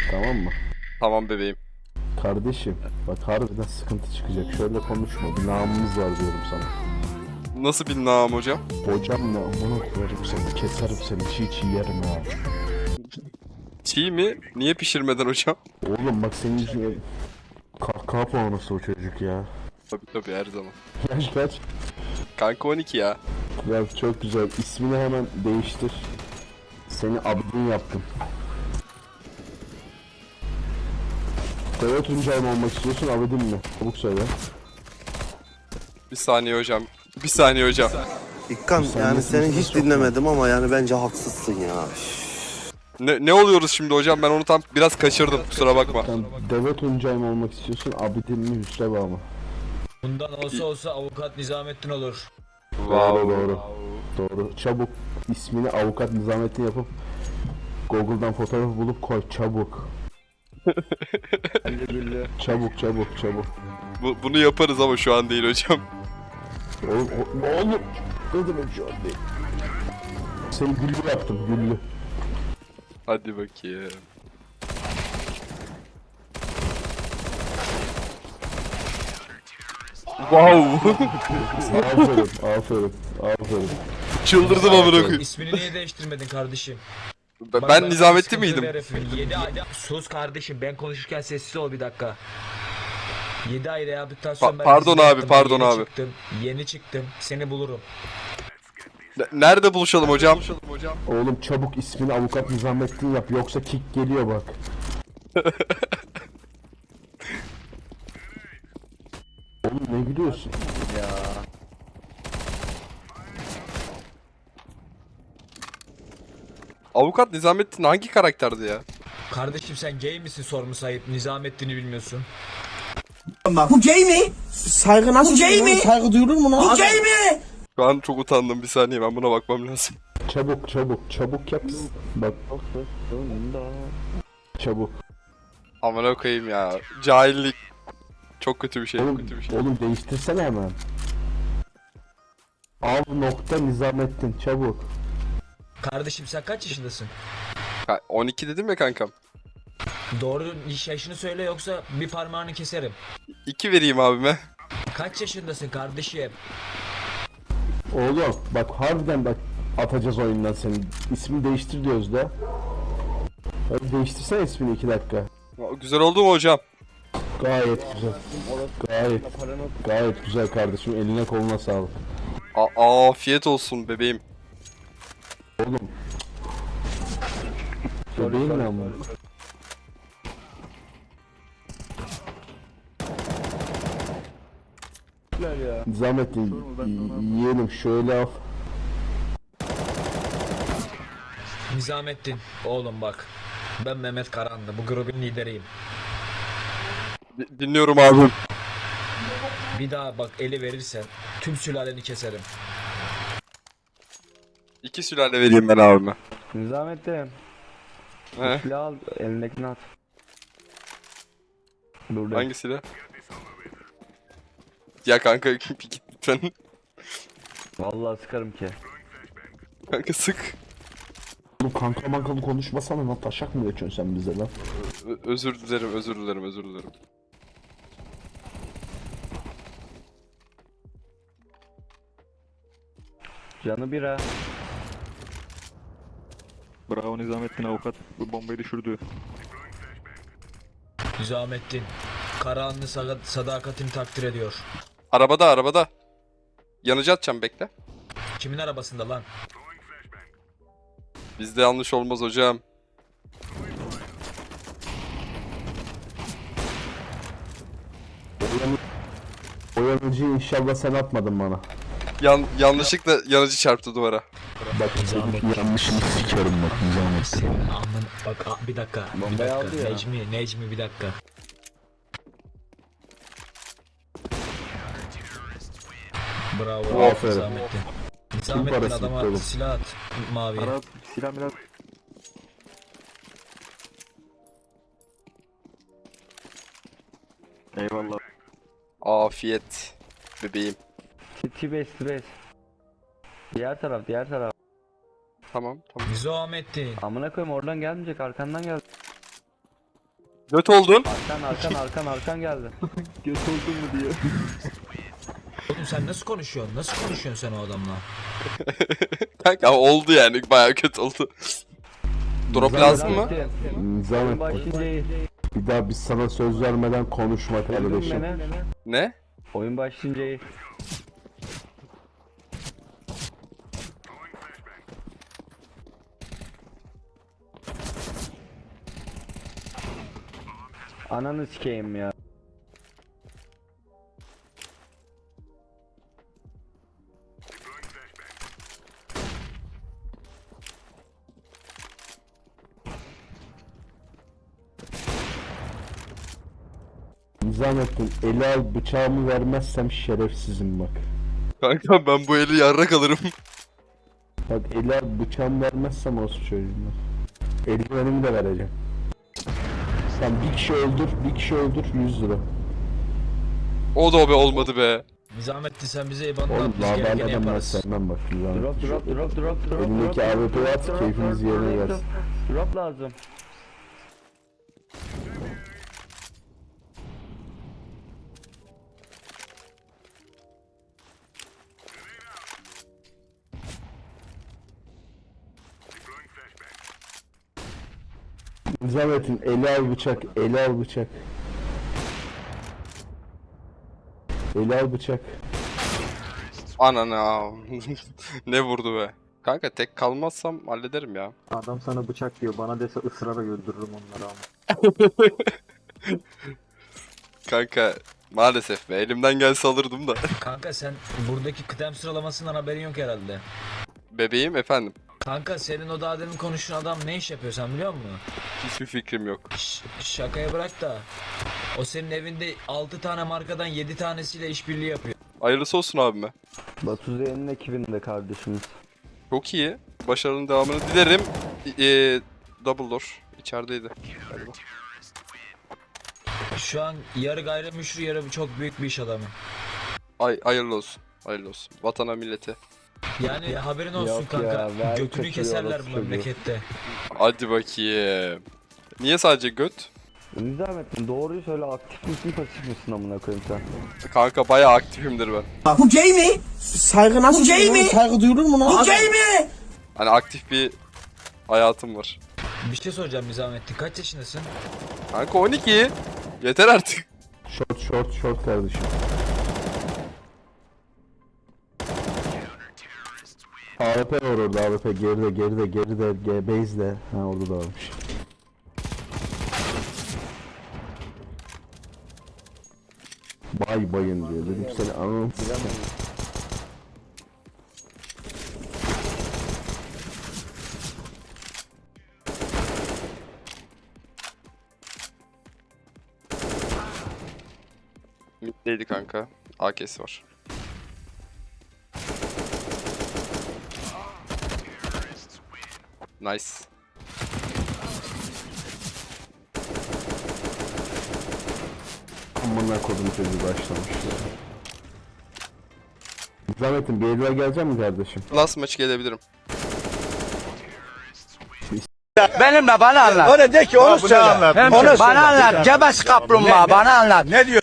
Tamam mı? Tamam bebeğim. Kardeşim bak harbiden sıkıntı çıkacak. Şöyle konuşma. Bir namımız var diyorum sana. Nasıl bir nam hocam? Hocam ne amına koyarım seni. Keserim seni. Çiğ çiğ yerim ha. Çiğ mi? Niye pişirmeden hocam? Oğlum bak senin yüzüne kahkaha puanısı o çocuk ya. Tabii her zaman. Yaş kaç? Kanka 12 ya. Ya çok güzel. İsmini hemen değiştir. Seni Abdin yaptım. Koya Tuncay mı olmak istiyorsun Abdin mi? Çabuk söyle. Bir saniye hocam. Bir saniye hocam. İkkan Sen yani nasıl seni bir hiç şey dinlemedim ama yani bence haksızsın ya. Ne oluyoruz şimdi hocam? Ben onu tam biraz kaçırdım. Kusura bakma. Sen Deve Tuncay mı olmak istiyorsun Abdin mi Hüsreva mı? Bundan olsa avukat Nizamettin olur. Doğru doğru. Doğru. Çabuk ismini avukat Nizamettin yapıp Google'dan fotoğrafı bulup koy çabuk. Çabuk çabuk çabuk. Bunu yaparız ama şu an değil hocam. Oğlum ne demek şu an değil. Seni güllü yaptım güllü. Hadi bakayım. Wow. Aferin. Çıldırdım amına koyayım. İsmini niye değiştirmedin kardeşim? Ben Nizamettin miydim? 7 ayda sus kardeşim, ben konuşurken sessiz ol bir dakika. 7 ay rehabilitasyon ben Pardon dizide abi, yaptım. pardon Yeni abi. Yeni çıktım, seni bulurum. Nerede buluşalım hocam? Oğlum çabuk ismini avukat Nizamettin yap yoksa kick geliyor bak. Oğlum ne gülüyorsun? Avukat Nizamettin hangi karakterdi ya? Kardeşim sen gay misin sormu sahip, Nizamettin'i bilmiyorsun. Bu gay mi? Saygı nasıl? Bu gay mi? Saygı duyulur mu lan? Bu gay mi? Şu an çok utandım, bir saniye ben buna bakmam lazım. Çabuk yap. Bak. Çabuk. Amına koyayım ya. Cahillik. Çok kötü bir şey. Oğlum değiştirsene hemen. Al nokta Nizamettin çabuk. Kardeşim sen kaç yaşındasın? 12 dedim ya kankam. Doğru yaşını söyle yoksa bir parmağını keserim. 2 vereyim abime. Kaç yaşındasın kardeşim? Oğlum bak harbiden bak atacağız oyundan seni. İsmini değiştir diyoruz da. Hadi değiştirsene ismini 2 dakika. Güzel oldu mu hocam? Gayet güzel. Gayet güzel kardeşim. Eline koluna sağlık. Afiyet olsun bebeğim. Oğlum. Bebeğin ne ama? Nizamettin yiyelim şöyle al. Nizamettin oğlum bak. Ben Mehmet Karanlı, bu grubun lideriyim. Dinliyorum abim. Bir daha bak eli verirsen tüm sülaleni keserim. 2 sülale vereyim ben abime. Nizamettin, He? silah al, elindekini at. Burada. Hangisiyle? Ya kanka git lütfen. Vallahi sıkarım ki. Kanka sık. Oğlum kanka mankalı konuşmasana lan taşak mı geçiyorsun sen bize lan? Özür dilerim. Canı bira. Bravo Nizamettin avukat. Bu bombayı düşürdü. Nizamettin, Karahanlı sadakatini takdir ediyor. Arabada. Yanıcı atacağım, bekle. Kimin arabasında lan? Bizde yanlış olmaz hocam. O yanıcıyı inşallah sen atmadın bana. Yanlışlıkla yanıcı çarptı duvara. Bak senin yanlışını sikerim bak Nizamettin. Senin amın bak bir dakika. Bir Bombayı aldı dakika. ya. Necmi bir dakika. Bravo. Aferin. Nizamettin. Nizamettin parası adama gitti oğlum? silah at. Mavi. Arap silah milah. Eyvallah. Afiyet bebeğim. T5 T5. Diğer taraf. Tamam. Nizamettin. Amına koyayım oradan gelmeyecek arkandan gel. Göt oldun. Arkan geldi. Göt oldun mu diyor. Oğlum sen nasıl konuşuyorsun? Nasıl konuşuyorsun sen o adamla? Kanka oldu yani bayağı kötü oldu. Drop lazım mı? Nizamettin. Başlayınca iyi. Bir daha biz sana söz vermeden konuşma Duydun kardeşim. beni. Ne? Oyun başlayınca iyi. Ananı sikeyim ya. Nizamettin eli al bıçağımı vermezsem şerefsizim bak. Kanka ben bu eli yarrak alırım. Bak eli al bıçağımı vermezsem olsun çocuğumlar. Eldivenimi de vereceğim. Sen bir kişi öldür 100 lira. O da be olmadı be. Nizamettin sen bize IBAN'ını Oğlum at biz gerekeni laberle ben yaparız. sevmem bak Nizamettin. Drop. Elindeki AWP'yi at keyfimiz yerine gelsin. Drop lazım. Nizamettin eli al bıçak, eli al bıçak. Eli al bıçak. Anana. Ne vurdu be. Kanka tek kalmazsam hallederim ya. Adam sana bıçak diyor. Bana dese ısrara öldürürüm onları ama. Kanka maalesef be elimden gelse alırdım da. Kanka sen buradaki kıdem sıralamasından haberin yok herhalde. Bebeğim efendim. Kanka senin o daha demin konuştuğun adam ne iş yapıyor sen biliyor musun? Hiçbir fikrim yok. Şakaya bırak da o senin evinde 6 tane markadan 7 tanesiyle işbirliği yapıyor. Hayırlısı olsun abime. Batu Z'nin ekibinde kardeşimiz. Çok iyi. Başarının devamını dilerim. Double door. İçerideydi. Galiba. Şu an yarı gayrimüslim yarı çok büyük bir iş adamı. Hayırlı olsun. Hayırlı olsun. Vatana millete. Yani haberin olsun Yok kanka. ya, ver Götünü kaçırıyor keserler orası bu çocuğu. memlekette. Hadi bakayım. Niye sadece göt? Nizamettin doğruyu söyle, aktif misin pasif misin amına koyayım sen? Kanka bayağı aktifimdir ben. Bu gay mi? Saygı nasıl Bu gay duyulur? mi? Saygı duyulur mu lan? Bu gay mi? Hani aktif bir hayatım var. Bir şey soracağım Nizamettin kaç yaşındasın? Kanka 12. Yeter artık. Short kardeşim. AWP var orada AWP geride base'de. Ha orada da varmış. Bayın diyor dedim seni anam. Middeydi kanka. AK'si var. Nice. Amına kodum çocuğu başlamış ya. Nizamettin bir elime gelecek mi kardeşim? Last maç gelebilirim. Benimle bana anlat. Öyle de ki onu söyle. Onu bana anlat. Cebes kaplumbağa bana anlat. Ne diyor?